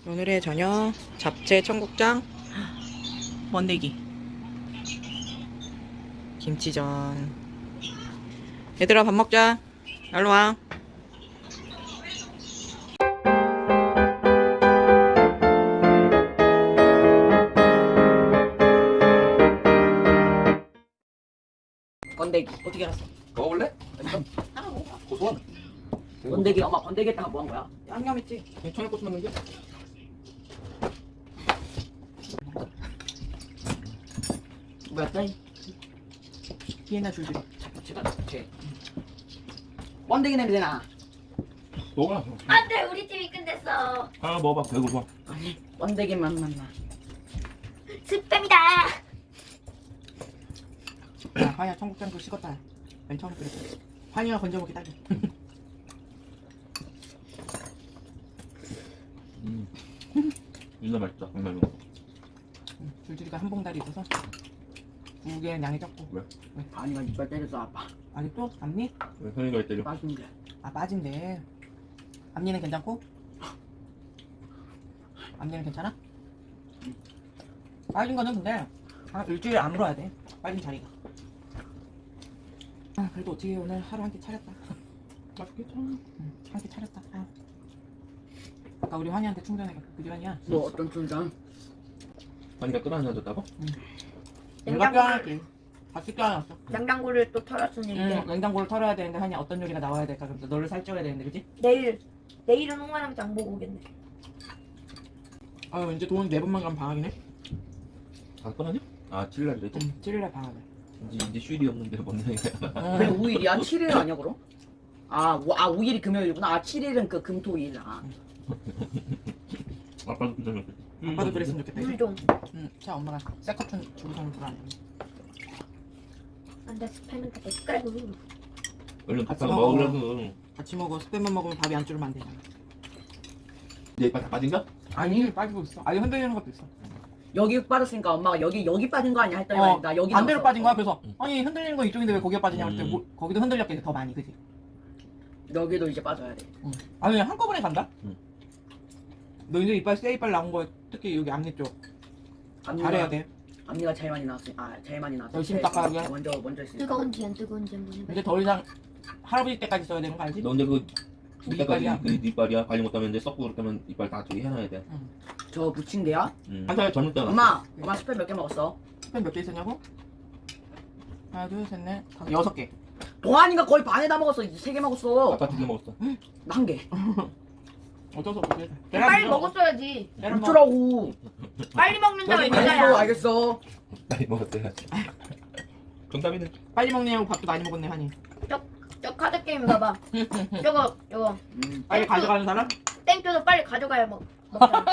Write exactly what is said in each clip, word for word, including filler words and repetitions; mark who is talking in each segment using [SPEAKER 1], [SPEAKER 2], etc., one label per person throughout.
[SPEAKER 1] 오늘의 저녁 잡채 청국장 번데기 김치전. 얘들아 밥 먹자. 날로와.
[SPEAKER 2] 번데기
[SPEAKER 1] 어떻게 알았어?
[SPEAKER 3] 먹어볼래?
[SPEAKER 1] 하나 먹어.
[SPEAKER 3] 고소한.
[SPEAKER 2] 번데기 엄마 번데기 했다가 뭐 한 거야?
[SPEAKER 1] 양념했지.
[SPEAKER 3] 청양고추 넣는 게?
[SPEAKER 2] 뭐였다?
[SPEAKER 1] 비엔나 줄줄이.
[SPEAKER 2] 제가 제 번데기 냄새나.
[SPEAKER 3] 먹어라.
[SPEAKER 4] 안돼 우리 팀이 끝냈어.
[SPEAKER 3] 하나 먹어봐. 배고파.
[SPEAKER 2] 아니 번데기 맛만 나.
[SPEAKER 4] 스팸이다.
[SPEAKER 1] 야, 하야 청국장도 식었다. 맨 처음에 그랬어. 환희가 건져먹기 딱이야.
[SPEAKER 3] 음. 진짜 맛있다. 정말.
[SPEAKER 1] 응, 줄줄이가 한 봉다리 있어서 무게는 양이 적고.
[SPEAKER 3] 왜?
[SPEAKER 2] 아니가 이빨 때렸어 아빠.
[SPEAKER 1] 아직도 앞니?
[SPEAKER 3] 왜 선이가 때려?
[SPEAKER 2] 맛있는데.
[SPEAKER 1] 아 빠진대. 앞니는 괜찮고? 앞니는 괜찮아? 빠진 거는 근데 한 일주일 안 물어야 돼. 빠진 자리가. 아 그래도 어떻게 오늘 하루 한 끼 차렸다.
[SPEAKER 3] 맛있겠다.
[SPEAKER 1] 응, 한 끼 차렸다. 아. 아까 우리 환희한테 충전해 그 시간이야.
[SPEAKER 2] 뭐 어떤 춘장?
[SPEAKER 3] 선이가 끌어안아줬다고?
[SPEAKER 1] 내가 껴안았지. 같이 껴안았어.
[SPEAKER 4] 냉장고를 또 털었으니 이제
[SPEAKER 1] 응, 냉장고를 털어야 되는데 환희 어떤 요리가 나와야 될까? 그럼 너를 살쪄야 되는데 그지?
[SPEAKER 4] 내일 내일은 홍아랑 장 보고 오겠네.
[SPEAKER 1] 아유 이제 돈 네 번만 가면 방학이네.
[SPEAKER 3] 다 끊었냐? 아, 칠 일 그랬지?
[SPEAKER 1] 응, 칠 일날 방학이야.
[SPEAKER 3] 이제, 이제 쉴이 없는데 뭔 얘기야.
[SPEAKER 2] 왜 오 일이야? 칠 일 아니야 그럼? 아, 오, 아 오 일이 금요일이구나. 아 칠 일은 그 금토일. 아.
[SPEAKER 3] 아빠도 그랬지
[SPEAKER 1] 아빠도 그랬으면 좋겠다.
[SPEAKER 4] 물
[SPEAKER 1] 그지?
[SPEAKER 4] 좀.
[SPEAKER 1] 응, 자 엄마가 셀카촌 주구성을 불안해.
[SPEAKER 4] 안돼 스팸은 다 헷갈고.
[SPEAKER 3] 얼른
[SPEAKER 1] 같이
[SPEAKER 3] 밥하고
[SPEAKER 1] 먹어.
[SPEAKER 3] 먹으려고.
[SPEAKER 1] 같이 먹어. 스팸만 먹으면 밥이 안 줄으면 안 되잖아.
[SPEAKER 3] 내 이빨 다 빠진가?
[SPEAKER 1] 아니 빠지고 있어. 아니 흔들리는 것도 있어.
[SPEAKER 2] 여기 빠졌으니까 엄마가 여기 여기 빠진 거 아니야 했더니
[SPEAKER 1] 어,
[SPEAKER 2] 나 여기
[SPEAKER 1] 반대로
[SPEAKER 2] 나왔어.
[SPEAKER 1] 빠진 거야. 그래서
[SPEAKER 3] 응.
[SPEAKER 1] 아니 흔들리는 거 이쪽인데 왜 거기가 빠지냐 그랬더니
[SPEAKER 3] 음.
[SPEAKER 1] 뭐, 거기도 흔들렸겠지 더 많이 그지?
[SPEAKER 2] 여기도 이제 빠져야 돼.
[SPEAKER 1] 응. 아니 한꺼번에 간다?
[SPEAKER 3] 응.
[SPEAKER 1] 너 이제 이빨 새 이빨 나온 거 특히 여기 앞니 쪽
[SPEAKER 2] 앞니가-
[SPEAKER 1] 잘해야 돼.
[SPEAKER 2] 앞니가 제일 많이 나왔어. 아 제일 많이 나왔어.
[SPEAKER 1] 열심히
[SPEAKER 2] 제일
[SPEAKER 1] 닦아야 돼.
[SPEAKER 2] 먼저 먼저 했으니까.
[SPEAKER 4] 뜨거운지 안 뜨거운지 한번 해봐.
[SPEAKER 1] 이제 더 이상 할아버지 때까지 써야 되는 거 알지?
[SPEAKER 3] 너 근데 그
[SPEAKER 1] 네
[SPEAKER 3] 이때까지
[SPEAKER 1] 이빨이야.
[SPEAKER 3] 그 이빨이야. 관리 못하면 이제 썩고 그렇다면 이빨 다 저기 해놔야 돼.
[SPEAKER 2] 저 붙인데요?
[SPEAKER 3] 음. 한 살 젊을 때
[SPEAKER 2] 엄마, 엄마 스팸 몇 개 먹었어?
[SPEAKER 1] 스팸 몇 개 있었냐고? 하나 둘셋넷 다섯 여섯 개.
[SPEAKER 2] 동환이가 거의 반에 다 먹었어. 세 개 먹었어.
[SPEAKER 3] 아빠 두 개 먹었어.
[SPEAKER 2] 나 한 개.
[SPEAKER 1] 어쩔 수 없지.
[SPEAKER 4] 빨리 먹었어야지.
[SPEAKER 1] 계란 먹어.
[SPEAKER 2] 어쩌라고.
[SPEAKER 4] 빨리 먹는다고
[SPEAKER 2] 알겠어,
[SPEAKER 4] 이거야.
[SPEAKER 2] 알겠어.
[SPEAKER 3] 많이 먹었어야지. 정답이네.
[SPEAKER 1] 빨리 먹느냐고 밥도 많이 먹었네 하니.
[SPEAKER 4] 저 카드 게임 봐봐. 저거 저거
[SPEAKER 2] 음.
[SPEAKER 1] 빨리 가져가는 사람?
[SPEAKER 4] 땡겨서 빨리 가져가야 먹. 먹잖아.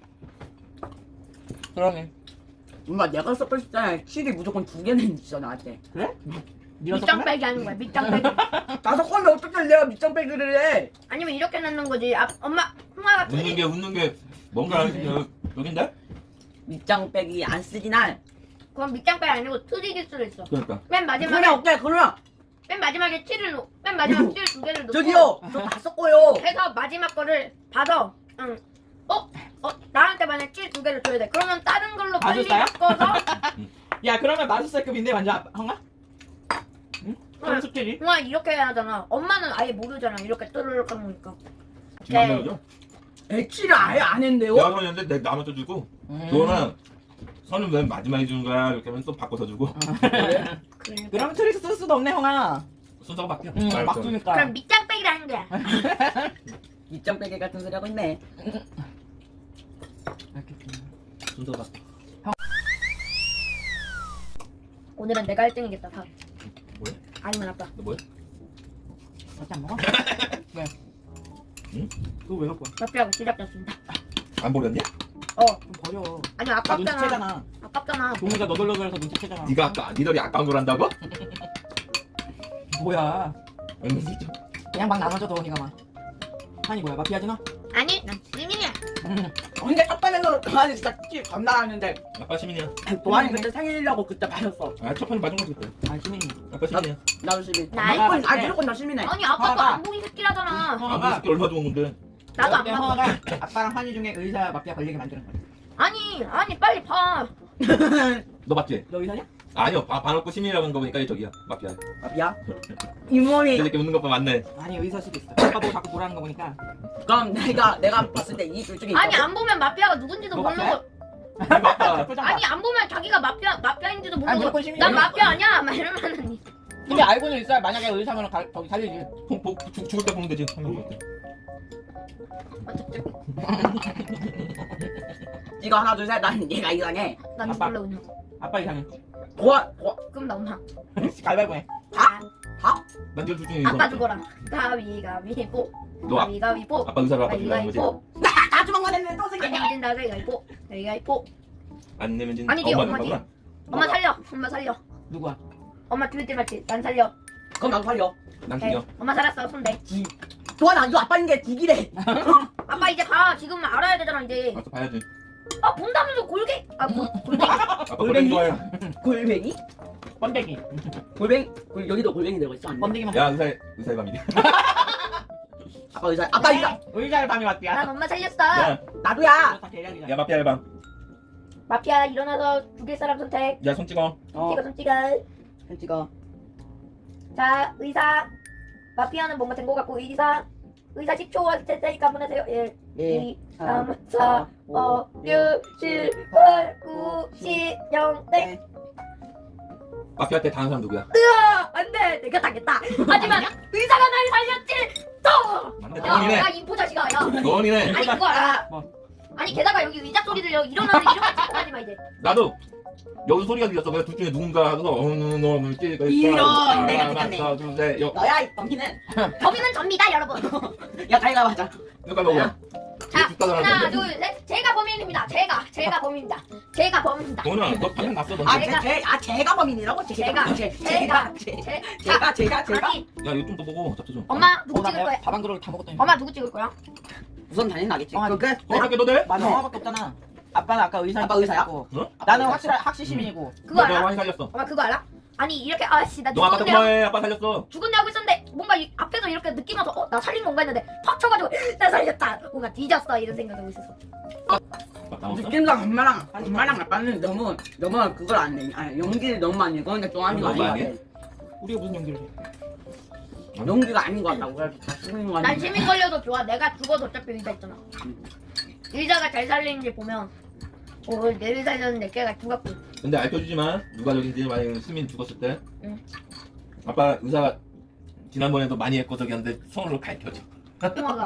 [SPEAKER 1] 그러네.
[SPEAKER 2] 엄마 내가 썼을 때 칠이 무조건 두 개는 있어 나한테.
[SPEAKER 1] 그래? 니가
[SPEAKER 4] 밑장
[SPEAKER 1] 섞을래?
[SPEAKER 4] 빼기 하는 거야. 밑장 빼기.
[SPEAKER 2] 다섯 건데 어떻게 내가 밑장 빼기를 해?
[SPEAKER 4] 아니면 이렇게 넣는 거지. 아, 엄마 홍아가
[SPEAKER 3] 웃는 게 웃는 게 뭔가 여- 여긴데?
[SPEAKER 2] 밑장 빼기 안 쓰지 난.
[SPEAKER 4] 그건 밑장 빼기 아니고 트릭일 수도 있어.
[SPEAKER 3] 그러니까.
[SPEAKER 4] 맨 마지막에
[SPEAKER 2] 그냥 어때? 그러면
[SPEAKER 4] 맨 마지막에 칠을 놓. 맨 마지막 칠 두 개를 놓고.
[SPEAKER 2] 저기요, 저 다 썼고요.
[SPEAKER 4] 해서 마지막 거를 받아. 응. 어? 어? 나한테 만약 칠 두 개를 줘야 돼. 그러면 다른 걸로 빨리
[SPEAKER 1] 마술사야?
[SPEAKER 4] 바꿔서
[SPEAKER 1] 야 그러면 마술사급인데 완전 아빠- 형아? 응? 그럼 숙제지?
[SPEAKER 4] 홍아 이렇게 해야 하잖아. 엄마는 아예 모르잖아. 이렇게 뚜르륵 하는 거니까.
[SPEAKER 3] 지금 안
[SPEAKER 4] 네.
[SPEAKER 3] 먹이죠?
[SPEAKER 2] 에 칠을 아예 안 했는데요?
[SPEAKER 3] 내가 선이었는데 내가 나눠서 주고
[SPEAKER 1] 음.
[SPEAKER 3] 그거는 선은 왜 마지막에 주는 거야? 이렇게 하면 또 바꿔서 주고
[SPEAKER 2] 그래?
[SPEAKER 4] 그러니까.
[SPEAKER 1] 그럼 트릭 쓸 수도 없네 형아.
[SPEAKER 3] 순서가 바뀌어.
[SPEAKER 1] 응,
[SPEAKER 3] 말
[SPEAKER 1] 막
[SPEAKER 3] 그대로.
[SPEAKER 1] 주니까.
[SPEAKER 4] 그럼 밑장 빼기를 하는 거야.
[SPEAKER 2] 밑장 빼기 같은 소리 하고 있네.
[SPEAKER 1] 알겠습니다.
[SPEAKER 3] 순서가 바뀌어.
[SPEAKER 4] 오늘은 내가 일 등이겠다. 다.
[SPEAKER 3] 뭐야?
[SPEAKER 4] 아니면 아빠.
[SPEAKER 3] 너 뭐야?
[SPEAKER 1] 어찌 안 먹어? 왜?
[SPEAKER 3] 응?
[SPEAKER 1] 그거 왜 갖고 와?
[SPEAKER 4] 옆이하고 시작됐습니다.
[SPEAKER 3] 안 버렸냐?
[SPEAKER 4] 어.
[SPEAKER 1] 좀 버려.
[SPEAKER 4] 아니
[SPEAKER 1] 다
[SPEAKER 4] 아깝잖아.
[SPEAKER 1] 눈치채잖아.
[SPEAKER 4] 아깝잖아.
[SPEAKER 1] 종이가 너덜너덜해서 눈치채잖아.
[SPEAKER 3] 네가 아까 니들이 아까운 걸 한다고?
[SPEAKER 1] 뭐야?
[SPEAKER 3] 응, 진짜.
[SPEAKER 1] 그냥 막 나눠줘도 니가 막. 한이 뭐야? 마피아지 너?
[SPEAKER 4] 아니 난 시민이야.
[SPEAKER 2] 근데 첫판에서 동환이 진짜 칠 겁나 하는데
[SPEAKER 3] 아빠 시민이야.
[SPEAKER 2] 동환이 그때 생일이라고 그때 마셨어.
[SPEAKER 3] 아, 첫 판에 맞은 거지 그때.
[SPEAKER 1] 아 시민이.
[SPEAKER 3] 아빠 시민이야.
[SPEAKER 2] 나도 시민.
[SPEAKER 4] 나
[SPEAKER 2] 무조건,
[SPEAKER 1] 알아.
[SPEAKER 2] 아 무조건 나 시민해.
[SPEAKER 4] 아니 아빠도
[SPEAKER 1] 봐봐.
[SPEAKER 4] 안 보기 새끼라잖아.
[SPEAKER 3] 아, 그 새끼 얼마 좋은 건데.
[SPEAKER 4] 나도 안
[SPEAKER 1] 그때
[SPEAKER 4] 먹어.
[SPEAKER 1] 형아가 아빠랑 환희 중에 의사 마피아 걸리게 만드는 거야.
[SPEAKER 4] 아니 아니 빨리 봐.
[SPEAKER 3] 너 맞지?
[SPEAKER 1] 너 의사냐?
[SPEAKER 3] 아니요. 봐, 봐놓고 시민이라고 한 거 보니까 저기야. 마피아.
[SPEAKER 2] 마피아? 잇몸이.
[SPEAKER 3] 저렇게 웃는 거 봐, 맞네.
[SPEAKER 1] 아니 의사 수도 있어. 아빠 보고 자꾸 뭐라는 거 보니까.
[SPEAKER 2] 그럼 내가 내가 봤을 때 이 둘 중에
[SPEAKER 4] 아니
[SPEAKER 2] 있거든?
[SPEAKER 4] 안 보면 마피아가 누군지도
[SPEAKER 1] 너
[SPEAKER 4] 모르고.
[SPEAKER 1] 마피아야?
[SPEAKER 3] 맞다.
[SPEAKER 1] 표정 봐.
[SPEAKER 4] 아니 안 보면 자기가 마피아 마피아인지도
[SPEAKER 1] 아니,
[SPEAKER 4] 모르고.
[SPEAKER 1] 무조건 시민이야.
[SPEAKER 4] 난 마피아 아니야. 막 이러면은.
[SPEAKER 1] 근데 알고는 있어야 만약에 의사면 가, 거기 살리지.
[SPEAKER 3] 보, 보, 죽, 죽을 때 보면 되지. 한명 볼 때.
[SPEAKER 2] 이거 하나 둘 셋 난 얘가 이상해.
[SPEAKER 4] 난
[SPEAKER 1] 아빠.
[SPEAKER 4] 몰라 그냥.
[SPEAKER 1] 아빠 이상해.
[SPEAKER 2] 도와 도와
[SPEAKER 4] 그럼 나 엄마.
[SPEAKER 1] 가위바위보 해.
[SPEAKER 2] 다? 다?
[SPEAKER 3] 난 지금 둘 중에 이거.
[SPEAKER 4] 아빠 죽어라. 가위가위보.
[SPEAKER 3] 너 아,
[SPEAKER 4] 가위가위보.
[SPEAKER 3] 아빠 의사로 아빠 죽이라는 거지?
[SPEAKER 4] 가위가위보.
[SPEAKER 2] 다 주먹만 했네 또
[SPEAKER 4] 안
[SPEAKER 2] 생겼네.
[SPEAKER 4] 내면 된다. 가위가위보. 가위가위보.
[SPEAKER 3] 안 내면 진.
[SPEAKER 4] 아니지,
[SPEAKER 3] 엄마
[SPEAKER 4] 엄마지.
[SPEAKER 3] 누구구나.
[SPEAKER 4] 엄마 살려. 엄마 살려.
[SPEAKER 1] 누구야?
[SPEAKER 4] 엄마 죽일 때 맞지? 난 살려.
[SPEAKER 2] 그럼 나도 살려.
[SPEAKER 3] 난
[SPEAKER 4] 오케이.
[SPEAKER 3] 죽여.
[SPEAKER 4] 엄마 살았어. 손대.
[SPEAKER 2] 도와나 이거 아빠인 게 국이래.
[SPEAKER 4] 아빠 이제 봐. 지금 알아야 되잖아 이제.
[SPEAKER 3] 알았어, 봐야지.
[SPEAKER 4] 아 본다면서 골개. 아 골, 골개.
[SPEAKER 3] 아빠
[SPEAKER 2] 골뱅이?
[SPEAKER 3] 골뱅이 좋아해.
[SPEAKER 2] 골뱅이?
[SPEAKER 1] 번데기.
[SPEAKER 2] 골뱅이? 골, 여기도 골뱅이 들어가 있어. 아니면?
[SPEAKER 1] 번데기만.
[SPEAKER 3] 야, 의사의, 의사의 밤이래.
[SPEAKER 2] 아빠 의사. 아빠 의사.
[SPEAKER 1] 의사를 밤이 왔디야.
[SPEAKER 4] 난 엄마 살렸어.
[SPEAKER 3] 야,
[SPEAKER 2] 나도야.
[SPEAKER 1] 다 계략이야.
[SPEAKER 3] 야, 마피아의 밤.
[SPEAKER 4] 마피아 일어나서 죽일 사람 선택.
[SPEAKER 3] 야, 손 찍어.
[SPEAKER 2] 어.
[SPEAKER 4] 찍어 손 찍어.
[SPEAKER 2] 손 찍어.
[SPEAKER 4] 자 의사. 마피아는 뭔가 된 것 같고 의사. 의사 십 초 됐으니까 한번 하세요. 일,
[SPEAKER 2] 일,
[SPEAKER 4] 이, 삼, 사, 오, 육, 칠, 팔, 구, 십, 영, 땡.
[SPEAKER 3] 마피아 때 당한 사람 누구야?
[SPEAKER 4] 으아! 안 돼! 내가 당했다! 하지만 의사가 날 살렸지! 또!
[SPEAKER 3] 맞네,
[SPEAKER 4] 야,
[SPEAKER 3] 너원이네.
[SPEAKER 4] 야, 이 보자식아, 야!
[SPEAKER 3] 너원이네.
[SPEAKER 4] 아니, 그거 알아!
[SPEAKER 1] 뭐?
[SPEAKER 4] 아니, 게다가 여기 의자 소리 들려. 일어나서 이런 거 찍고 하지 마, 이제.
[SPEAKER 3] 나도 여기서 소리가 들렸어. 그래서 둘 중에 누군가 하고서 어느 놈을 찍어
[SPEAKER 2] 이런, 내가 찍었네.
[SPEAKER 3] 하나, 둘, 셋, 여.
[SPEAKER 2] 너야 이 범인은.
[SPEAKER 4] 범인은 접니다, 여러분.
[SPEAKER 2] 야 다이가 맞아.
[SPEAKER 3] 이거 먹어.
[SPEAKER 4] 자,
[SPEAKER 3] 죽다
[SPEAKER 4] 하나,
[SPEAKER 3] 나왔는데.
[SPEAKER 4] 둘, 셋. 제가 범인입니다. 제가, 제가 범인입니다. 제가 범인입니다.
[SPEAKER 3] 너는 너 방금 났어. 너.
[SPEAKER 2] 아,
[SPEAKER 3] 야,
[SPEAKER 2] 제, 제, 아, 제가 범인이라고? 제,
[SPEAKER 4] 제가,
[SPEAKER 2] 제,
[SPEAKER 4] 제가,
[SPEAKER 2] 제가, 제,
[SPEAKER 4] 제,
[SPEAKER 2] 제가, 제가, 제가.
[SPEAKER 4] 아니,
[SPEAKER 3] 이거 좀 더 보고 잡숴줘.
[SPEAKER 4] 엄마, 누구
[SPEAKER 1] 어, 나
[SPEAKER 4] 찍을 거야?
[SPEAKER 1] 밥한 그릇 다 먹었더니.
[SPEAKER 4] 엄마, 누구 찍을 거야?
[SPEAKER 2] 우선 당연히 나겠지.
[SPEAKER 1] 어,
[SPEAKER 2] 그, 그,
[SPEAKER 3] 어, 할게 너 돼?
[SPEAKER 1] 맞아.
[SPEAKER 2] 네.
[SPEAKER 1] 엄마밖에 없잖아. 아빠는 아까 의사.
[SPEAKER 2] 아빠 의사야?
[SPEAKER 3] 어?
[SPEAKER 1] 나는 확실한 학시 시민이고.
[SPEAKER 4] 그거
[SPEAKER 3] 너
[SPEAKER 4] 알아?
[SPEAKER 3] 많이 살렸어.
[SPEAKER 4] 엄마, 그거 알아? 아니, 이렇게, 아씨, 나
[SPEAKER 3] 너 아빠
[SPEAKER 4] 죽었네. 하고-
[SPEAKER 3] 때문에 아빠 살렸어.
[SPEAKER 4] 죽었네 하고 있었는데 뭔가 이 앞에서 이렇게 느낌 와서 어? 나 살린 건가 했는데 팍 쳐가지고 나 살렸다 뭔가 뒤졌어 이런 생각하고 있었어.
[SPEAKER 3] 맞다. 먹었어?
[SPEAKER 2] 느낌상 엄마랑, 엄마랑 아빠는 너무, 너무 그걸 안 내. 아니, 연기를 너무 많이 해. 그건 좀 아닌 거
[SPEAKER 3] 너무
[SPEAKER 2] 아닌
[SPEAKER 3] 많이
[SPEAKER 2] 것
[SPEAKER 3] 해?
[SPEAKER 2] 같아.
[SPEAKER 1] 우리가 무슨 연기를 해?
[SPEAKER 2] 연기가 아닌 것 같다고. 그래서 다 쓰는 거
[SPEAKER 4] 난
[SPEAKER 2] 같아.
[SPEAKER 4] 시민 걸려도 좋아. 내가 죽어도 어차피 의자 있잖아. 의자가 잘 살리는지 보면 어, 내를 살렸는데 걔가 죽었고.
[SPEAKER 3] 근데 알려주지만 누가 저긴지 만약에 수민 죽었을 때
[SPEAKER 4] 응.
[SPEAKER 3] 아빠 의사가 지난번에도 많이 했고 저기 하는데 손으로 가르쳐줘.
[SPEAKER 4] 통화가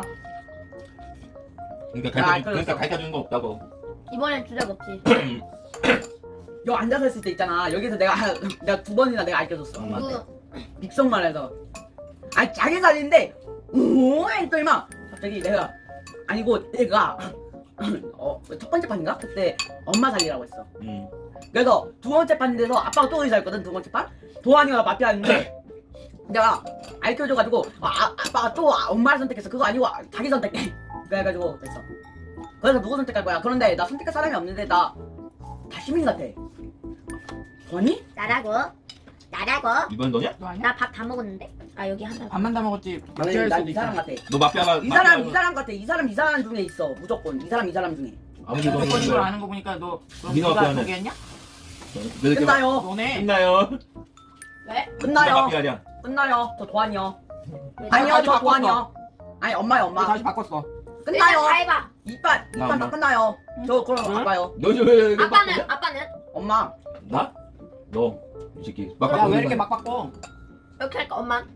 [SPEAKER 3] 그러니까
[SPEAKER 2] 야,
[SPEAKER 3] 가르쳐
[SPEAKER 2] 알려줬어.
[SPEAKER 3] 그러니까 가르쳐주는 거 없다고.
[SPEAKER 4] 이번엔 주작 없지.
[SPEAKER 2] 여기 앉아서 있을 때 있잖아. 여기서 내가, 내가 두 번이나 내가 알려줬어. 엄마한테.
[SPEAKER 4] 그
[SPEAKER 2] 빅성말 해서. 아니, 자기 살인데, 오, 했더니 막, 갑자기 내가, 아니고, 내가, 어, 첫 번째 판인가? 그때 엄마 살리라고 했어.
[SPEAKER 3] 음.
[SPEAKER 2] 그래서 두 번째 판인데서 아빠가 또 의사였거든, 두 번째 판? 도환이가 마피아였는데, 내가 알려줘가지고, 아, 아, 아빠가 또 엄마를 선택했어. 그거 아니고 자기 선택해. 그래가지고, 됐어. 그래서 누구 선택할 거야? 그런데 나 선택할 사람이 없는데, 나, 다 시민 같아. 도환이?
[SPEAKER 4] 나라고 나라고
[SPEAKER 3] 이번 너냐?
[SPEAKER 1] 너 아니야?
[SPEAKER 4] 나 밥 다 먹었는데. 아 여기 하나.
[SPEAKER 1] 밥만 다 먹었지.
[SPEAKER 2] 나는 난이 사람 같아.
[SPEAKER 3] 너 마피아가
[SPEAKER 2] 이 사람 이 사람 같아. 이 사람 이 사람 중에 있어. 무조건 이 사람 이 사람 중에.
[SPEAKER 3] 아무리
[SPEAKER 1] 너
[SPEAKER 3] 너는
[SPEAKER 1] 거짓걸 아는 거 보니까 너 그럼
[SPEAKER 3] 네가
[SPEAKER 1] 누가
[SPEAKER 3] 마피아네.
[SPEAKER 1] 소개했냐?
[SPEAKER 3] 왜 이렇게 막-
[SPEAKER 2] 끝나요.
[SPEAKER 1] 너네.
[SPEAKER 3] 끝나요?
[SPEAKER 4] 왜?
[SPEAKER 3] 누가
[SPEAKER 2] 끝나요.
[SPEAKER 3] 마피아냐?
[SPEAKER 2] 끝나요. 저 도환이요.
[SPEAKER 4] 왜?
[SPEAKER 2] 아니요,
[SPEAKER 1] 다시
[SPEAKER 2] 저
[SPEAKER 1] 바꿨어.
[SPEAKER 2] 도환이요. 아니 엄마요,
[SPEAKER 1] 너
[SPEAKER 2] 엄마.
[SPEAKER 1] 다시 바꿨어.
[SPEAKER 4] 일단
[SPEAKER 2] 끝나요.
[SPEAKER 4] 다 해봐.
[SPEAKER 2] 이빨
[SPEAKER 3] 나
[SPEAKER 2] 이빨 다
[SPEAKER 3] 엄마.
[SPEAKER 2] 끝나요. 저 그럼
[SPEAKER 1] 응?
[SPEAKER 2] 아빠요.
[SPEAKER 3] 너 이제 왜 이렇게
[SPEAKER 4] 아빠는
[SPEAKER 3] 바꾸냐?
[SPEAKER 4] 아빠는
[SPEAKER 2] 엄마.
[SPEAKER 3] 나? 너 이 새끼 막
[SPEAKER 1] 야
[SPEAKER 3] 바꾸는
[SPEAKER 1] 왜 이렇게
[SPEAKER 3] 거야.
[SPEAKER 1] 막 바꿔?
[SPEAKER 4] 이렇게 할까 엄마?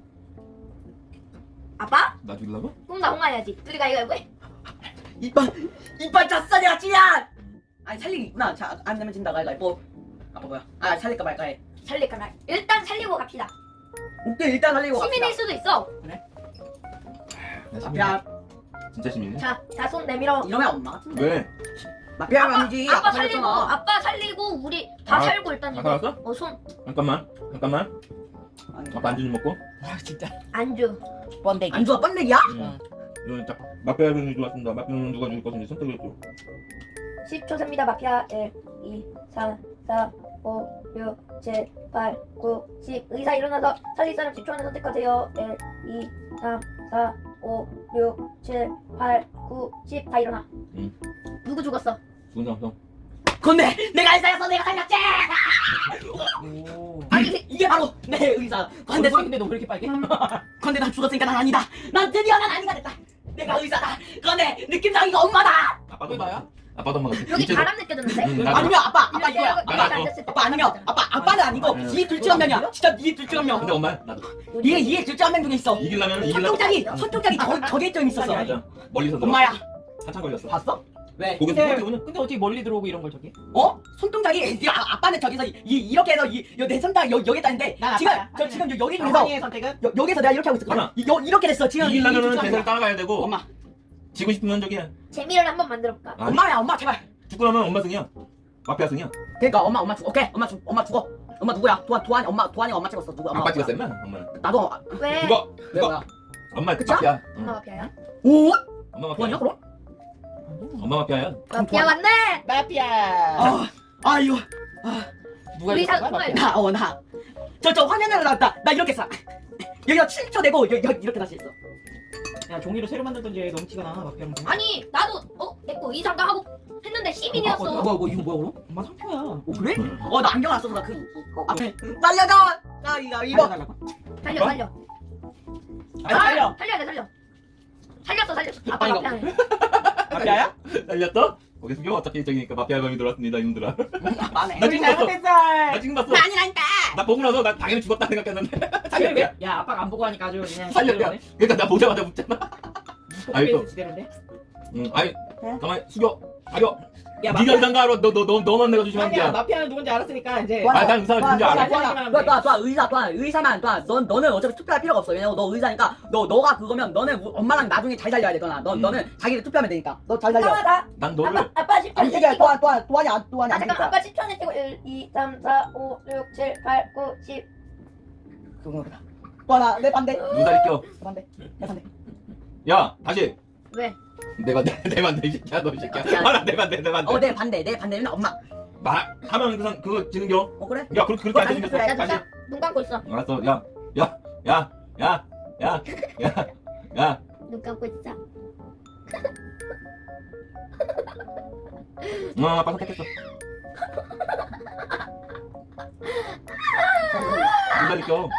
[SPEAKER 4] 아빠?
[SPEAKER 3] 나 죽이려고?
[SPEAKER 4] 그럼 나 홍아야지. 둘이가 이거 이거 해.
[SPEAKER 2] 이빨 이빨 잤어 내가 찌야. 아니 살리기 있구나. 자, 안 내면 진다. 가위가 뭐. 아빠 뭐야? 아 살릴까 말까 해.
[SPEAKER 4] 살릴까 말. 일단 살리고 갑시다.
[SPEAKER 2] 오케이 일단 살리고 갑시다.
[SPEAKER 4] 시민일 수도 있어.
[SPEAKER 3] 나 시민이야.
[SPEAKER 2] 마피아
[SPEAKER 3] 진짜 시민이야?
[SPEAKER 4] 자, 자 손 내밀어.
[SPEAKER 2] 이러면 엄마 같은데.
[SPEAKER 3] 왜?
[SPEAKER 2] 마피아가 아니지.
[SPEAKER 4] 아빠
[SPEAKER 2] 아빠
[SPEAKER 4] 살리고,
[SPEAKER 2] 살렸잖아.
[SPEAKER 4] 아빠 살리고 우리 다
[SPEAKER 3] 아,
[SPEAKER 4] 살고 일단
[SPEAKER 3] 다
[SPEAKER 4] 이거.
[SPEAKER 3] 살았어?
[SPEAKER 4] 어 손
[SPEAKER 3] 잠깐만 잠깐만
[SPEAKER 2] 아니,
[SPEAKER 3] 아빠 안주 좀 먹고.
[SPEAKER 1] 아 진짜.
[SPEAKER 4] 안주.
[SPEAKER 1] 번데기.
[SPEAKER 2] 안 좋아 번데기야?
[SPEAKER 1] 응.
[SPEAKER 3] 이건 딱 마피아 분이 좋았습니다. 마피아는 누가 죽을 것인지 선택을 했죠.
[SPEAKER 4] 십 초 셉니다. 마피아 일, 이, 삼, 사, 오, 육, 칠, 팔, 구, 십. 의사 일어나서 살릴 사람 십 초 안에 선택하세요. 일, 이, 삼, 사, 오, 육, 칠, 팔, 구, 십 다 일어나.
[SPEAKER 3] 응.
[SPEAKER 4] 누구 죽었어?
[SPEAKER 3] 죽은 사람 형.
[SPEAKER 2] 건데 내가 의사였어. 내가 살렸지.
[SPEAKER 1] 오.
[SPEAKER 2] 아니 이게 바로 내 의사. 건데
[SPEAKER 1] 근데 근데 너 왜 이렇게 빨개?
[SPEAKER 2] 건데 난 죽었으니까 난 아니다. 난 드디어 난 아니가 됐다. 내가 의사다. 건데 느낌상 이거 엄마다.
[SPEAKER 3] 아빠도
[SPEAKER 1] 그게 나야?
[SPEAKER 3] 아빠도 엄마 같아.
[SPEAKER 4] 여기
[SPEAKER 3] 이제도-
[SPEAKER 4] 바람 느껴졌는데?
[SPEAKER 3] 응, 나도.
[SPEAKER 2] 아니면 아빠 아빠
[SPEAKER 4] 이렇게
[SPEAKER 2] 이거야.
[SPEAKER 4] 하고
[SPEAKER 2] 아빠
[SPEAKER 3] 나도.
[SPEAKER 4] 앉았을 때
[SPEAKER 2] 아빠 아니면 아빠 아빠는 아니고
[SPEAKER 3] 응.
[SPEAKER 2] 이 둘 중 한 명이야. 진짜 이 둘 중 한 명.
[SPEAKER 3] 근데 엄마야 나도.
[SPEAKER 2] 이게 이게 둘 중 한 명 중에 있어.
[SPEAKER 3] 이기려면 이기려면
[SPEAKER 2] 손동작이 손동작이 저 저게 좀 있었어.
[SPEAKER 3] 맞아. 멀리서 들어.
[SPEAKER 2] 엄마야.
[SPEAKER 3] 한참 걸렸어.
[SPEAKER 2] 봤어? 왜?
[SPEAKER 3] 고개
[SPEAKER 1] 근데
[SPEAKER 3] 숙여 오는.
[SPEAKER 1] 근데 어떻게 멀리 들어오고 이런 걸 저기?
[SPEAKER 2] 어? 손동작이 이 아, 아빠는 저기서 이, 이 이렇게 해서 이내 손가락 여기 여기다 했는데
[SPEAKER 1] 난
[SPEAKER 2] 지금
[SPEAKER 1] 아빠야.
[SPEAKER 2] 저 지금 여기 중에서
[SPEAKER 1] 상황의 선택은
[SPEAKER 2] 여, 여기서 내가 이렇게 하고 있었거든.
[SPEAKER 3] 하나.
[SPEAKER 2] 이, 여, 이렇게 됐어. 지금 이- 이
[SPEAKER 3] 이기려면은
[SPEAKER 2] 둘 중 한
[SPEAKER 3] 대세를
[SPEAKER 2] 명이야.
[SPEAKER 3] 따라가야 되고.
[SPEAKER 2] 엄마.
[SPEAKER 3] 지고 싶으면 저기야.
[SPEAKER 4] 재미를 한번 만들어볼까?
[SPEAKER 3] 아니,
[SPEAKER 2] 엄마야 엄마 제발.
[SPEAKER 3] 죽고 나면 엄마 승이야. 마피아 승이야.
[SPEAKER 2] 그러니까 엄마 엄마 죽어. 오케이 엄마 죽 엄마 죽어. 엄마 누구야? 도안 도안 엄마 도안이 엄마 찍었어. 누구 엄마?
[SPEAKER 3] 아빠 찍었어 임마. 엄마는.
[SPEAKER 2] 나도 엄마.
[SPEAKER 4] 왜?
[SPEAKER 3] 죽어.
[SPEAKER 2] 왜 뭐야?
[SPEAKER 3] 엄마
[SPEAKER 2] 그쵸?
[SPEAKER 3] 마피아. 응.
[SPEAKER 4] 엄마 마피아야?
[SPEAKER 2] 오?
[SPEAKER 3] 엄마
[SPEAKER 2] 도안이야
[SPEAKER 3] 마피아.
[SPEAKER 2] 그럼?
[SPEAKER 3] 엄마 마피아야.
[SPEAKER 4] 마피아 맞네!
[SPEAKER 1] 마피아.
[SPEAKER 2] 아 아유.
[SPEAKER 1] 누가
[SPEAKER 4] 우리
[SPEAKER 1] 이겼어?
[SPEAKER 4] 사-
[SPEAKER 1] 마피아.
[SPEAKER 2] 나 어 나. 저 저 화면으로 나왔다. 나 이렇게 써. 여기가 칠 초 되고 여, 여, 이렇게 다시 했어.
[SPEAKER 1] 야 종이로 새로 만들던지 너무 티가 나 마피아는.
[SPEAKER 4] 아니 나도 어? 내거 의상가 하고 했는데 시민이었어.
[SPEAKER 2] 아, 뭐야 뭐 이거 뭐야 그럼?
[SPEAKER 1] 엄마 상표야.
[SPEAKER 2] 어 그래? 어 나 안경 안 써서 나 그 앞에 살려줘. 나 이거 이거.
[SPEAKER 1] 달라고?
[SPEAKER 4] 살려 살려.
[SPEAKER 1] 아니 살려.
[SPEAKER 4] 살려야 돼 살려. 살렸어 살렸어. 아빠
[SPEAKER 2] 아니, 이거-
[SPEAKER 4] 마피아네.
[SPEAKER 1] 마피아야?
[SPEAKER 3] 날렸어? 거기 숙여. 어차피 저기니까 마피아 범이 들어왔습니다 이놈들아.
[SPEAKER 2] 아빠네.
[SPEAKER 3] 나
[SPEAKER 1] 우리
[SPEAKER 3] 지금 봤어.
[SPEAKER 1] 잘못했어.
[SPEAKER 3] 나 지금 봤어.
[SPEAKER 2] 나 아니라니까.
[SPEAKER 3] 나 보고 나서 나 당연히 죽었다 생각했는데.
[SPEAKER 1] 살려. 야 아빠가 안 보고 하니까 아주 그냥
[SPEAKER 3] 살렸냐? 그러니까 나 보자마자 묻잖아. 아이, 또.
[SPEAKER 1] 지대로인데?
[SPEAKER 3] 응. 아이 가만히 숙여. 가려.
[SPEAKER 1] 야
[SPEAKER 3] 네가 의상가 알아. 너너 너 너만 내가 조심하면
[SPEAKER 1] 아니야
[SPEAKER 3] 돼.
[SPEAKER 1] 마피아는 누군지 알았으니까 이제.
[SPEAKER 2] 와,
[SPEAKER 3] 아, 난 의사를 누군지
[SPEAKER 2] 와,
[SPEAKER 3] 알아.
[SPEAKER 2] 와, 와, 와, 와, 와, 의사, 와, 의사만, 와, 넌, 너는 어차피 투표할 필요가 없어. 왜냐면 너 의사니까, 너, 너가 그거면, 너는 우- 엄마랑 나중에 잘 살려야 돼, 너나. 너,
[SPEAKER 3] 음.
[SPEAKER 2] 너는 자기를 투표하면 되니까. 너 잘 살려.
[SPEAKER 4] 잠깐만 나
[SPEAKER 3] 난 너를
[SPEAKER 4] 아빠 아빠 십 초
[SPEAKER 2] 아니, 이게, 또한, 또한, 또한이 안, 또한이
[SPEAKER 4] 아
[SPEAKER 2] 안
[SPEAKER 4] 잠깐
[SPEAKER 2] 되니까.
[SPEAKER 4] 아빠 십 초 안에 뛰고 일, 이, 삼, 사, 오, 육, 칠, 팔, 구, 십.
[SPEAKER 2] 그거구나. 또한아, 내 반대.
[SPEAKER 3] 누다리 껴.
[SPEAKER 2] 내 반대. 내 반대.
[SPEAKER 3] 야 다시.
[SPEAKER 4] 왜?
[SPEAKER 3] 내 반대 내 반대 이 새끼야 너 이 새끼야. 말아 내 반대 내 반대.
[SPEAKER 2] 어, 내 반대. 내 반대는 엄마.
[SPEAKER 3] 말하면 그상 그거 지는겨.
[SPEAKER 2] 어, 그래?
[SPEAKER 3] 야 그렇게 그렇게 안
[SPEAKER 2] 아니,
[SPEAKER 3] 생겼어.
[SPEAKER 2] 그래,
[SPEAKER 4] 나
[SPEAKER 3] 다시.
[SPEAKER 4] 눈, 눈 감고 있어.
[SPEAKER 3] 알았어. 야 야 야 야 야 야 야.
[SPEAKER 4] 눈 감고 있어.
[SPEAKER 3] 어 아빠 선택했어. 누다리 껴.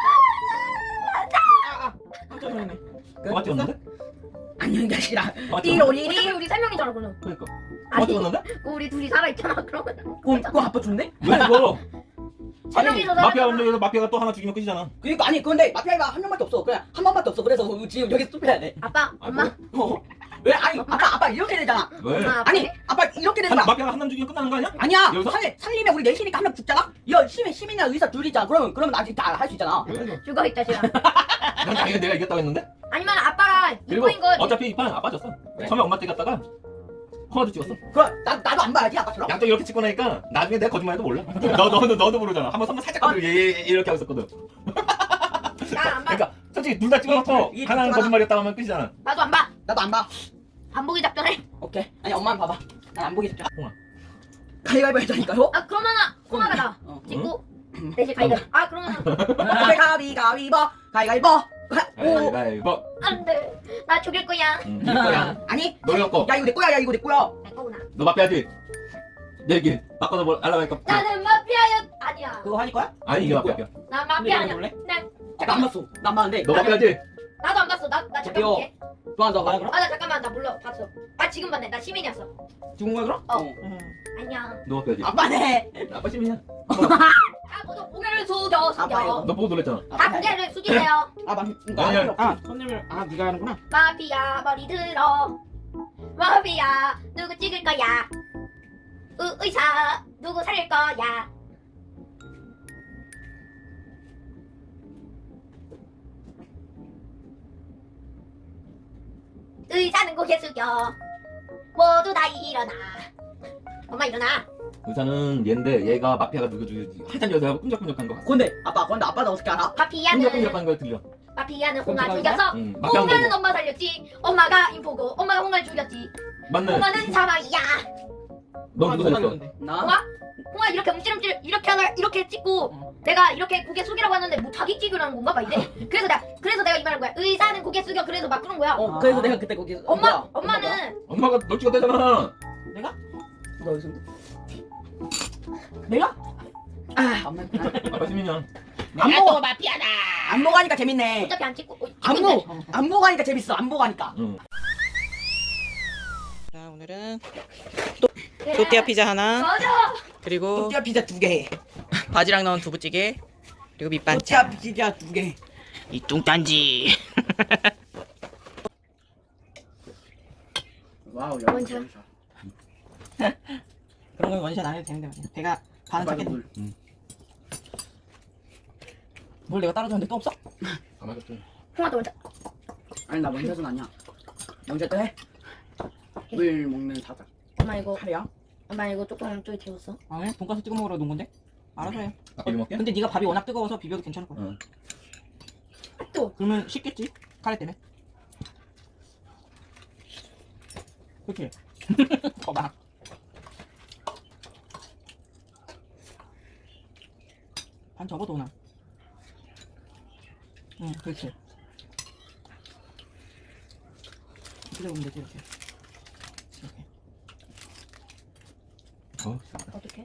[SPEAKER 1] 아아 깜짝 놀랐네.
[SPEAKER 3] 엄마 찍었는데?
[SPEAKER 2] 안녕히 계시라.
[SPEAKER 3] 엄마 찍었는데?
[SPEAKER 2] 띠로리리.
[SPEAKER 4] 우리 우리 세 명이잖아 그럼.
[SPEAKER 3] 그러니까. 엄마
[SPEAKER 4] 아니
[SPEAKER 3] 찍었는데?
[SPEAKER 4] 우리 둘이 살아 있잖아 그러면.
[SPEAKER 2] 그거, 그거 아빠 죽네?
[SPEAKER 3] 왜 그거?
[SPEAKER 4] 세 명이서 살아.
[SPEAKER 3] 마피아 운동에서 마피아가 또 하나 죽이면 끝이잖아.
[SPEAKER 2] 그니까, 아니, 근데 마피아가 한 명밖에 없어. 그냥 한 번밖에 없어. 그래서 지금 여기서 투표해야 돼.
[SPEAKER 4] 아빠
[SPEAKER 3] 아,
[SPEAKER 4] 엄마
[SPEAKER 2] 어. 왜? 아니, 아빠, 아빠 이렇게 되잖아.
[SPEAKER 3] 왜?
[SPEAKER 4] 엄마 아빠.
[SPEAKER 2] 아니, 아빠 이렇게 되는
[SPEAKER 3] 한,
[SPEAKER 2] 거야.
[SPEAKER 3] 마피아가 한 남 죽이면 끝나는 거 아니야?
[SPEAKER 2] 아니야.
[SPEAKER 3] 여기서?
[SPEAKER 2] 살, 살리면 우리 넷이니까 한 명 죽잖아? 이거 시민, 시민이나 의사 둘이잖아. 그러면, 그러면 아직 다 할 수 있잖아.
[SPEAKER 3] 왜?
[SPEAKER 4] 죽어 있다 지금.
[SPEAKER 3] 난 당연히 내가 이겼다고 했는데?
[SPEAKER 4] 아니면 아빠가
[SPEAKER 3] 그리고
[SPEAKER 4] 이거인 거.
[SPEAKER 3] 어차피 이 판 아빠 졌어.
[SPEAKER 2] 왜?
[SPEAKER 3] 처음에 엄마 찍었다가 코너도 찍었어.
[SPEAKER 2] 그럼, 나, 나도 안 봐야지, 아빠처럼.
[SPEAKER 3] 양쪽 이렇게 찍고 나니까 나중에 내가 거짓말해도 몰라. 너, 너도, 너도 모르잖아. 한번 선물 살짝 건드리고 얘, 얘, 얘 이렇게 하고 있었거든.
[SPEAKER 4] 나안 봐.
[SPEAKER 3] 그러니까 솔직히 둘 다 찍어놓고
[SPEAKER 2] 이- 이
[SPEAKER 3] 하나는
[SPEAKER 2] 하나.
[SPEAKER 3] 거짓말이었다고 하면 끝이잖아.
[SPEAKER 4] 나도 안 봐.
[SPEAKER 2] 나도 안 봐.
[SPEAKER 4] 안 보기 작전해.
[SPEAKER 2] 오케이. 아니, 엄마는 봐봐. 난 안 보기 쉽자.
[SPEAKER 3] 홍아.
[SPEAKER 2] 가위바위보 해자니까요?
[SPEAKER 4] 아 그러면은 홍아가 나.
[SPEAKER 2] 어.
[SPEAKER 4] 찍고 대신 가이드. 아 그러면은
[SPEAKER 2] 오케이, 가위가위보. 가위가위보. 오.
[SPEAKER 3] 가위바위보.
[SPEAKER 4] 안돼. 나 죽일 거야.
[SPEAKER 3] 응, 이럴 거야.
[SPEAKER 2] 아니.
[SPEAKER 3] 너 이거 거.
[SPEAKER 2] 야, 이거 내 거야, 야, 이거 내 거야.
[SPEAKER 4] 내 거구나.
[SPEAKER 3] 너 마피아지? 내 얘기 바꿔서 뭘 알아보니까.
[SPEAKER 4] 나는 마피아야 아니야.
[SPEAKER 1] 그거 하니 거야?
[SPEAKER 3] 아니 이게 마피아야.
[SPEAKER 4] 난
[SPEAKER 1] 근데
[SPEAKER 4] 마피아
[SPEAKER 1] 이거
[SPEAKER 4] 아니야.
[SPEAKER 1] 몰래?
[SPEAKER 4] 난
[SPEAKER 2] 나안 봤어. 나안 봤는데.
[SPEAKER 3] 너 마피아지?
[SPEAKER 4] 나도 안 봤어. 나 나 잠깐
[SPEAKER 2] 저기요.
[SPEAKER 4] 볼게.
[SPEAKER 2] 좋아, 너 봐.
[SPEAKER 4] 아 나 잠깐만 나 몰라 봤어. 아 지금 봤네. 나 시민이었어.
[SPEAKER 1] 죽은 거야 그럼?
[SPEAKER 4] 어.
[SPEAKER 1] 응.
[SPEAKER 4] 안녕.
[SPEAKER 3] 너 마피아지?
[SPEAKER 2] 아빠네.
[SPEAKER 3] 아빠 시민이야.
[SPEAKER 4] 다 모두 고개를 숙여
[SPEAKER 2] 아빠요.
[SPEAKER 4] 숙여.
[SPEAKER 3] 너 보고 놀랬잖아.
[SPEAKER 4] 다 고개를 숙이세요.
[SPEAKER 2] 아, 맞, 이거
[SPEAKER 3] 아니야.
[SPEAKER 2] 안 필요 없어.
[SPEAKER 1] 아 손님을 아 네가 하는구나.
[SPEAKER 4] 마피아 머리 들어. 마피아 누구 찍을 거야? 의, 의사 누구 살릴 거야? 의사는 고개 숙여. 모두 다 일어나. 엄마 일어나.
[SPEAKER 3] 의사는 얘인데 얘가 마피아가 누구 죽였지? 하얀 여자하고 끈적끈적한 거 같아.
[SPEAKER 2] 근데 아빠, 근데 아빠도 어떻게 알아?
[SPEAKER 4] 마피아는
[SPEAKER 3] 끈적끈적한 거 들려.
[SPEAKER 4] 마피아는 홍아
[SPEAKER 1] 그럼
[SPEAKER 4] 죽였어.
[SPEAKER 3] 응. 마피아
[SPEAKER 4] 홍아는
[SPEAKER 3] 거.
[SPEAKER 4] 엄마 살렸지. 엄마가 인포고 엄마가 홍아를 죽였지.
[SPEAKER 3] 맞네.
[SPEAKER 4] 홍아는 사망이야.
[SPEAKER 3] 넌 누가 됐어?
[SPEAKER 2] 나?
[SPEAKER 4] 홍아? 홍아 이렇게 움찔움찔 이렇게 하나 이렇게 찍고 내가 이렇게 고개 숙이라고 하는데 뭐 자기 찍으라는 건가 봐 이제. 그래서 내가 그래서 내가 이 말한 거야. 의사는 고개 숙여. 그래서 막 그런 거야.
[SPEAKER 2] 어 그래서 내가 그때 거기
[SPEAKER 4] 엄마
[SPEAKER 2] 뭐야?
[SPEAKER 4] 엄마는
[SPEAKER 3] 엄마가 널 찍었대잖아.
[SPEAKER 1] 내가?
[SPEAKER 2] 너 어디서?
[SPEAKER 1] 내가?
[SPEAKER 2] 아 엄마
[SPEAKER 3] 아빠 시민이야.
[SPEAKER 2] 안 보고
[SPEAKER 1] 마피아다.
[SPEAKER 2] 안 보고 하니까 재밌네.
[SPEAKER 4] 어차피 안 찍고 어,
[SPEAKER 2] 안
[SPEAKER 4] 찍는데.
[SPEAKER 2] 보고 안 보고 하니까 재밌어. 안 보고 하니까.
[SPEAKER 3] 응.
[SPEAKER 5] 자, 오늘은
[SPEAKER 4] 그래.
[SPEAKER 5] 또띠아 피자 하나,
[SPEAKER 4] 맞아.
[SPEAKER 5] 그리고
[SPEAKER 2] 또띠아 피자 두 개.
[SPEAKER 5] 바지락 넣은 두부찌개, 그리고 밑반찬.
[SPEAKER 2] 또띠아 피자 두 개.
[SPEAKER 5] 이 뚱딴지.
[SPEAKER 2] 와우
[SPEAKER 4] 원샷.
[SPEAKER 1] 그런 건 원샷 안 해도 되는데 말이야. 배가 반은 찼겠네.
[SPEAKER 3] 응.
[SPEAKER 1] 뭘 내가 따로 줬는데 또 없어?
[SPEAKER 3] 다 맞았죠.
[SPEAKER 4] 홍아도 원샷.
[SPEAKER 2] 아니 나 원샷은 아니야. 원샷도 해. 물 먹는 사자.
[SPEAKER 4] 엄마 이거
[SPEAKER 2] 카레야?
[SPEAKER 4] 엄마 이거 조금 좀 데웠어.
[SPEAKER 1] 아니 돈가스 찍어 먹으러 놓은 건데? 알아서 해.
[SPEAKER 3] 아빠 이거 먹게?
[SPEAKER 1] 근데 네가 밥이 워낙 뜨거워서 비벼도 괜찮을 거야.
[SPEAKER 3] 응.
[SPEAKER 4] 또
[SPEAKER 1] 그러면 쉽겠지? 카레 때문에. 그렇지. 봐봐. 반 접어 도나. 응, 그렇지. 이렇게 잡으면 되지 이렇게. 이렇게.
[SPEAKER 3] 어.
[SPEAKER 4] 어떻게?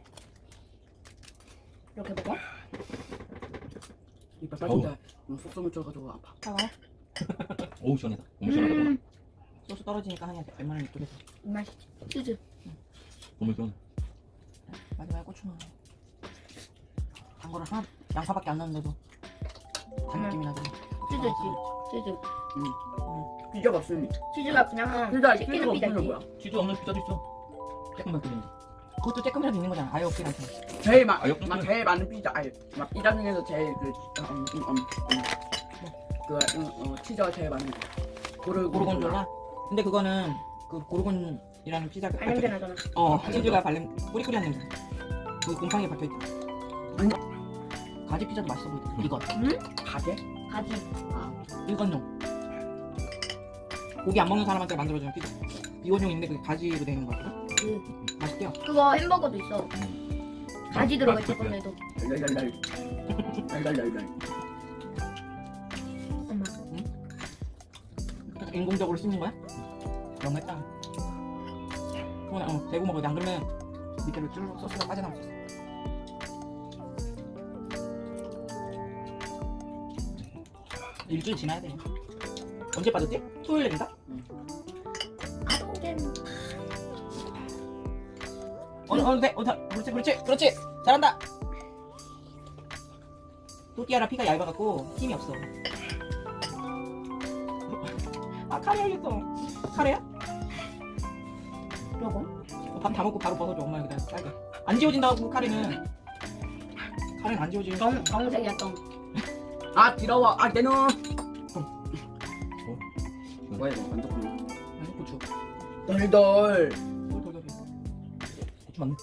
[SPEAKER 4] 이렇게 먹어?
[SPEAKER 2] 이빨 빠진다. 너무 속쓰물 쪄가지고 아파.
[SPEAKER 4] 따가워?
[SPEAKER 3] 오우 시원하다. 너무 시원하다.
[SPEAKER 4] 음,
[SPEAKER 1] 소스 떨어지니까 하냐 웬만하면 이쪽에서.
[SPEAKER 4] 맛있지. 치즈.
[SPEAKER 3] 너무 시원해.
[SPEAKER 1] 마지막에 고추 넣어. 단 거를 하나 양파밖에 안 넣는데도 단 느낌이 나지.
[SPEAKER 4] 치즈지. 치즈.
[SPEAKER 2] 피자가 없으니.
[SPEAKER 4] 치즈가 그냥
[SPEAKER 2] 피자
[SPEAKER 4] 치킨
[SPEAKER 2] 피자가
[SPEAKER 4] 피자지.
[SPEAKER 2] 없으면 뭐야?
[SPEAKER 3] 치즈 없는 피자도 있어. 조금만 끓이면.
[SPEAKER 1] 그것도 조금이라도 있는 거잖아. 아예 없긴 않잖아.
[SPEAKER 2] 제일 많,
[SPEAKER 3] 아, 옆에
[SPEAKER 2] 막 제일 많은 피자. 아니 막 피자 중에서 제일 그 음, 음, 음, 음. 그 음, 어, 치즈가 제일 많은 거. 고르
[SPEAKER 1] 고르곤졸라. 근데 그거는 그 고르곤이라는 피자가
[SPEAKER 4] 발 냄새 나잖아.
[SPEAKER 1] 어 치즈가 발냄 꾸리꾸리한 냄새. 그 곰팡이 박혀 있다.
[SPEAKER 2] 아니.
[SPEAKER 1] 가지 피자도 맛있어 보이더라. 이거
[SPEAKER 2] 가게?
[SPEAKER 4] 가지.
[SPEAKER 1] 일건용. 고기 안 먹는 사람한테 만들어주는 피자. 비건용인데 그게 가지로 되어 있는 거 같거든.
[SPEAKER 4] 그
[SPEAKER 1] 맛있대요.
[SPEAKER 4] 그거 햄버거도 있어. 가지 들어가 있을 건데도.
[SPEAKER 2] 랄랄랄. 랄랄랄랄.
[SPEAKER 4] 엄마.
[SPEAKER 1] 그래서 인공적으로 씹는 거야? 너무했다. 어, 대고 먹어야 돼. 안 그러면 밑에로 쭈르륵 소스가 빠져나올 수 있어. 일주일 지나야 돼. 언제 빠졌지? 토요일인가?
[SPEAKER 4] 아동잼.
[SPEAKER 1] 어느 어느 돼? 어느 그렇지 그렇지 그렇지 잘한다. 또띠아라 피가 얇아갖고 힘이 없어. 아 카레 알겠어. 카레야?
[SPEAKER 4] 요거?
[SPEAKER 1] 밥 다 먹고 바로 벗어줘. 엄마 여기다 빨개. 안 지워진다고 카레는. 카레는 안 지워지는.
[SPEAKER 4] 정 정색이야 정.
[SPEAKER 2] 아 더러워. 아 내놔. 뭐야 이거 완전
[SPEAKER 1] 아니 고추.
[SPEAKER 2] 덜덜.
[SPEAKER 1] 돌돌돌. 고추 맞네.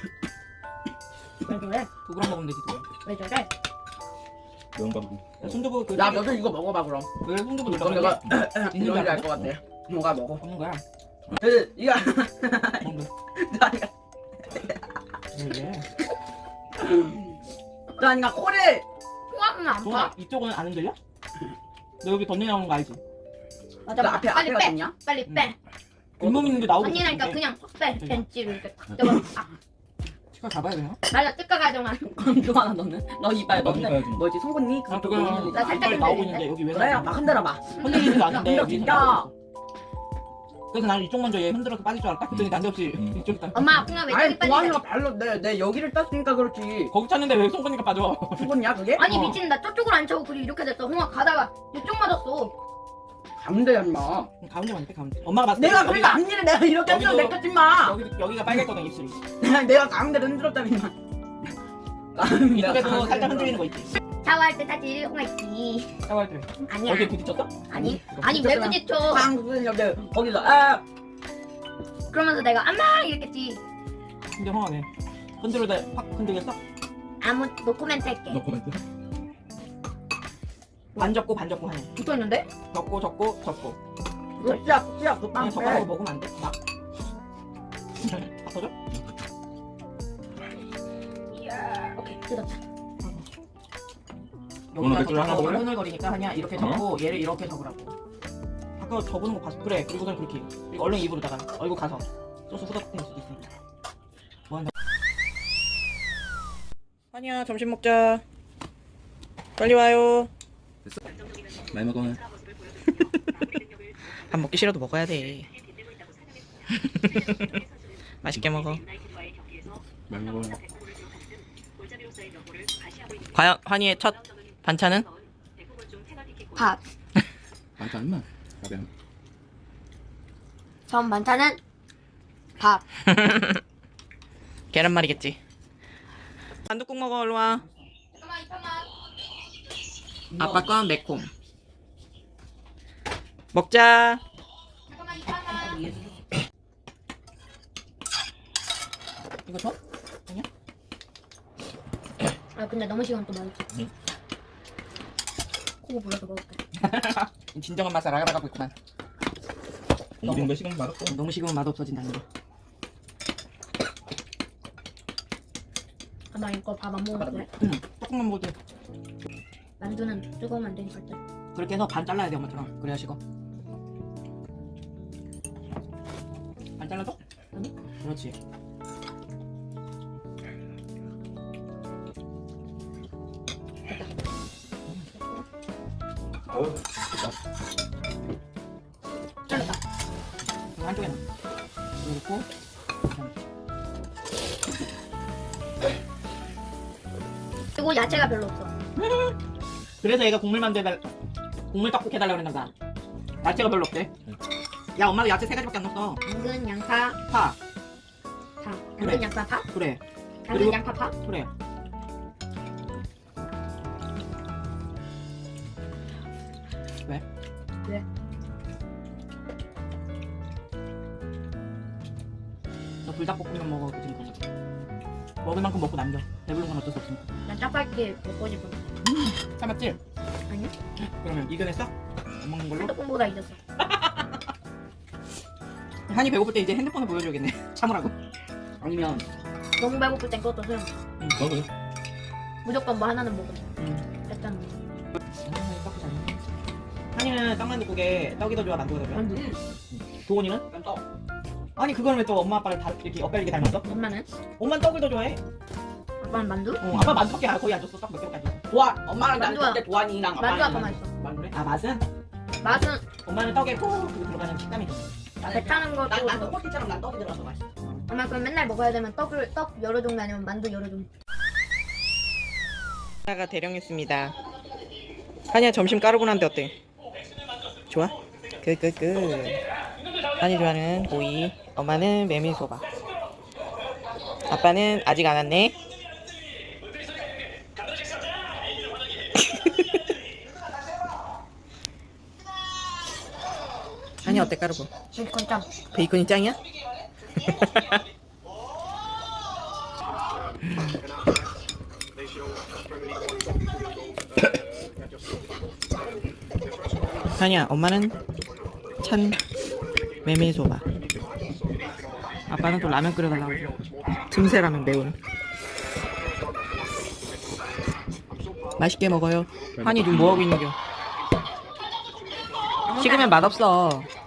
[SPEAKER 4] 왜 저래?
[SPEAKER 1] 두 그램 먹으면 되지 두 그램.
[SPEAKER 4] 왜 저래?
[SPEAKER 3] 매운 밥이고.
[SPEAKER 1] 야, 손두부 그.
[SPEAKER 2] 야 너도 이거 먹어봐 그럼.
[SPEAKER 1] 왜 손두부
[SPEAKER 2] 그럼
[SPEAKER 1] 넣어?
[SPEAKER 2] 내가
[SPEAKER 1] 있는 줄
[SPEAKER 2] 이런지
[SPEAKER 1] 알았어?
[SPEAKER 2] 알것 같아. 뭐가 먹어.
[SPEAKER 1] 없는 거야.
[SPEAKER 2] 그 이거
[SPEAKER 1] 먹는 거야.
[SPEAKER 2] 나니까
[SPEAKER 1] 왜?
[SPEAKER 2] 나니까 코를
[SPEAKER 4] 홍아는 안
[SPEAKER 1] 동아
[SPEAKER 4] 봐.
[SPEAKER 1] 이쪽은 안 흔들려? 너 여기 덧내 나오는 거 알지?
[SPEAKER 4] 맞아.
[SPEAKER 2] 나 앞에
[SPEAKER 4] 빨리
[SPEAKER 2] 앞에가
[SPEAKER 4] 빼.
[SPEAKER 2] 좋냐?
[SPEAKER 4] 빨리 빼.
[SPEAKER 1] 잇몸 있는데 나오고
[SPEAKER 4] 언니니까
[SPEAKER 1] 있는데.
[SPEAKER 4] 그냥 확 빼.
[SPEAKER 1] 그래.
[SPEAKER 4] 벤치를 이렇게 탁 잡아. 아,
[SPEAKER 1] 치과 가봐야 되나?
[SPEAKER 4] 맞아. 뜯가 가정아.
[SPEAKER 2] 그럼 좋아하나 너는? 너 이빨
[SPEAKER 3] 나도
[SPEAKER 2] 너는
[SPEAKER 3] 이빨 좀.
[SPEAKER 2] 뭐지 송곳니?
[SPEAKER 1] 아
[SPEAKER 2] 그거
[SPEAKER 1] 그거는
[SPEAKER 2] 보이는
[SPEAKER 4] 나
[SPEAKER 2] 거.
[SPEAKER 4] 살짝
[SPEAKER 1] 이빨 나오고
[SPEAKER 4] 흔들리는데?
[SPEAKER 1] 있는데 여기 왜
[SPEAKER 2] 그래요?
[SPEAKER 1] 나오는
[SPEAKER 2] 막
[SPEAKER 1] 거야?
[SPEAKER 2] 흔들어 봐.
[SPEAKER 1] 흔들리지도 않는데
[SPEAKER 2] 흔들어,
[SPEAKER 1] 위에서
[SPEAKER 2] 진짜.
[SPEAKER 1] 나오고 있어. 그래서 나는 이쪽 먼저 얘 흔들어서 빠질 줄 알았다? 그랬더니 난데없이
[SPEAKER 3] 음.
[SPEAKER 1] 이쪽 있다.
[SPEAKER 4] 엄마 홍아 왜
[SPEAKER 2] 아니
[SPEAKER 4] 저기 빠지냐?
[SPEAKER 2] 도안이가 발로 내, 내 여기를 땄으니까 그렇지.
[SPEAKER 1] 거기 찼는데 왜 손보니까 빠져?
[SPEAKER 2] 송곳니야 그게?
[SPEAKER 4] 아니
[SPEAKER 1] 어.
[SPEAKER 4] 미친 나 저쪽으로 안 차고 그리 이렇게 됐어. 홍아 가다가 이쪽 맞았어.
[SPEAKER 2] 가운데야 임마.
[SPEAKER 1] 가운데 맞대 가운데. 엄마가 봤을 때
[SPEAKER 2] 내가 그러니까 앞니를 내가 이렇게
[SPEAKER 1] 여기도-
[SPEAKER 2] 흔들어 내꺼지 마.
[SPEAKER 1] 여기 여기가 빨갛거든 입술이.
[SPEAKER 2] 내가 가운데를 흔들었다니 임마.
[SPEAKER 1] 이쪽에도 살짝 흔들리는 거 있지.
[SPEAKER 4] 샤워할 때 사실 홍아 있지.
[SPEAKER 1] 샤워할 때.
[SPEAKER 4] 아니야.
[SPEAKER 1] 여기 부딪혔어?
[SPEAKER 4] 아니 아니 왜 부딪혀?
[SPEAKER 2] 방금 여기 거기서 아
[SPEAKER 4] 그러면서 내가 엄마 이랬겠지.
[SPEAKER 1] 근데 형아 왜? 흔들어다 확 흔들겠어?
[SPEAKER 4] 아무 노코멘트 할게.
[SPEAKER 3] 너 코멘트.
[SPEAKER 1] 반 접고 반 접고 하네.
[SPEAKER 4] 붙어 있는데?
[SPEAKER 1] 접고 접고 접고.
[SPEAKER 2] 그거 씨야 씨야 그
[SPEAKER 1] 그냥
[SPEAKER 2] 빵
[SPEAKER 1] 젓가락으로
[SPEAKER 2] 빼.
[SPEAKER 1] 먹으면 안 돼? 막. 다 터져?
[SPEAKER 4] 뜯었다.
[SPEAKER 3] 오늘 맥주를 하나 먹을래?
[SPEAKER 1] 오늘거리니까 하냐 이렇게 접고 얘를 이렇게 접으라고. 아까 접는 거 봤어. 그래. 그리고선 그렇게. 그리고 얼른 입으로다가 얼굴 가서 소스 후덕될 수도 있으니까. 뭐 한다.
[SPEAKER 5] 환희야 점심 먹자. 빨리 와요.
[SPEAKER 3] 많이 먹어.
[SPEAKER 5] 밥 먹기 싫어도 먹어야 돼. 맛있게 먹어.
[SPEAKER 3] 많이 먹어.
[SPEAKER 5] 과연 환희의 첫 반찬은?
[SPEAKER 4] 밥.
[SPEAKER 3] 반찬 임마. 가면.
[SPEAKER 4] 전 반찬은 밥.
[SPEAKER 5] 계란말이겠지. 반두국 먹어 얼른 와.
[SPEAKER 4] 잠깐만 이편만.
[SPEAKER 5] 아빠 건 매콤. 먹자.
[SPEAKER 4] 잠깐만 이편만.
[SPEAKER 1] 이거 줘? 아니야?
[SPEAKER 4] 아 근데 너무 시간 또 많이.
[SPEAKER 3] 응.
[SPEAKER 4] 코 불러서 먹을게.
[SPEAKER 1] 진정한 맛을 알아가고 있구만.
[SPEAKER 3] 우리는 몇 시간 맛없어.
[SPEAKER 1] 너무 식으면 맛 없어진다는 거.
[SPEAKER 4] 아, 나 이거 밥 안 먹어도 돼?
[SPEAKER 1] 응. 조금만 먹어도 돼.
[SPEAKER 4] 만두는 뜨거우면 안 되니까 일단.
[SPEAKER 1] 그렇게 해서 반 잘라야 돼 엄마처럼. 그래야 식어. 반 잘라줘?
[SPEAKER 4] 아니.
[SPEAKER 1] 그렇지.
[SPEAKER 3] 어우.
[SPEAKER 4] 잘랐다.
[SPEAKER 1] 이거 한쪽에 놔. 그리고
[SPEAKER 4] 그리고 야채가 별로 없어.
[SPEAKER 1] 그래서 얘가 국물 만들달 국물 떡국 해달라고 그랬나 봐. 야채가 별로 없대. 야 엄마도 야채 세 가지밖에 안 넣었어.
[SPEAKER 4] 당근, 양파,
[SPEAKER 1] 파.
[SPEAKER 4] 파. 당근,
[SPEAKER 1] 그래.
[SPEAKER 4] 양파, 파.
[SPEAKER 1] 그래.
[SPEAKER 4] 당근,
[SPEAKER 1] 그리고-
[SPEAKER 4] 양파, 파.
[SPEAKER 1] 그래. 왜?
[SPEAKER 4] 왜?
[SPEAKER 1] 너 불닭볶음면 먹어 그 지금. 먹을 만큼 먹고 남겨. 배부른 건 어쩔 수 없으니까.
[SPEAKER 4] 난 짜파게티 먹고 싶어.
[SPEAKER 1] 참았지?
[SPEAKER 4] 아니야?
[SPEAKER 1] 그러면 이겨냈어? 안 먹는 걸로?
[SPEAKER 4] 떡국보다 잊었어.
[SPEAKER 1] 한이 배고플 때 이제 핸드폰을 보여줘야겠네. 참으라고. 아니면
[SPEAKER 4] 너무 배고플 땐 그것도 소용.
[SPEAKER 3] 너 그래.
[SPEAKER 4] 무조건 뭐 하나는 먹어.
[SPEAKER 1] 음.
[SPEAKER 4] 일단
[SPEAKER 1] 떡이 잘 먹네. 한이는 떡만둣국에 떡이 더 좋아 만두가 더 좋아?
[SPEAKER 4] 만두.
[SPEAKER 1] 도원이는? 난 떡. 아니 그거는 왜 또 엄마 아빠를 다 이렇게 엇갈리게 닮았어?
[SPEAKER 4] 엄마는?
[SPEAKER 1] 엄마는 떡을 더 좋아해.
[SPEAKER 4] 아빠는 만두?
[SPEAKER 1] 어, 아빠 만두밖에 거의 안 줬어. 떡 몇 개밖에 안 줬어.
[SPEAKER 2] 도안 엄마랑 나는
[SPEAKER 4] 만두야.
[SPEAKER 2] 그때 도안이랑
[SPEAKER 4] 만두 아빠 맛있어.
[SPEAKER 2] 만두래?
[SPEAKER 1] 아 맛은?
[SPEAKER 4] 맛은
[SPEAKER 1] 엄마는 떡에 푹 그거 들어가는 식감이 좋아.
[SPEAKER 4] 배 타는 것도.
[SPEAKER 2] 난, 난 떡볶이처럼 난 떡이 들어가서 맛있어.
[SPEAKER 4] 엄마 그럼 맨날 먹어야 되면 떡을 떡 여러 종류 아니면 만두 여러 종류.
[SPEAKER 5] 하나가 대령했습니다. 환희야 점심 까르보나인데 어때? 좋아? 끄끄끄. 환희 좋아하는 고기, 엄마는 메밀소바. 아빠는 아직 안 왔네. 환희 어때 까르보?
[SPEAKER 4] 베이컨 짱.
[SPEAKER 5] 베이컨이 짱이야? 아니야, 엄마는 찬 메밀소바. 아빠는 또 라면 끓여달라고 해서 틈새 라면 매운. 맛있게 먹어요. 환희 지금 뭐하고 있는겨? 식으면 맛없어.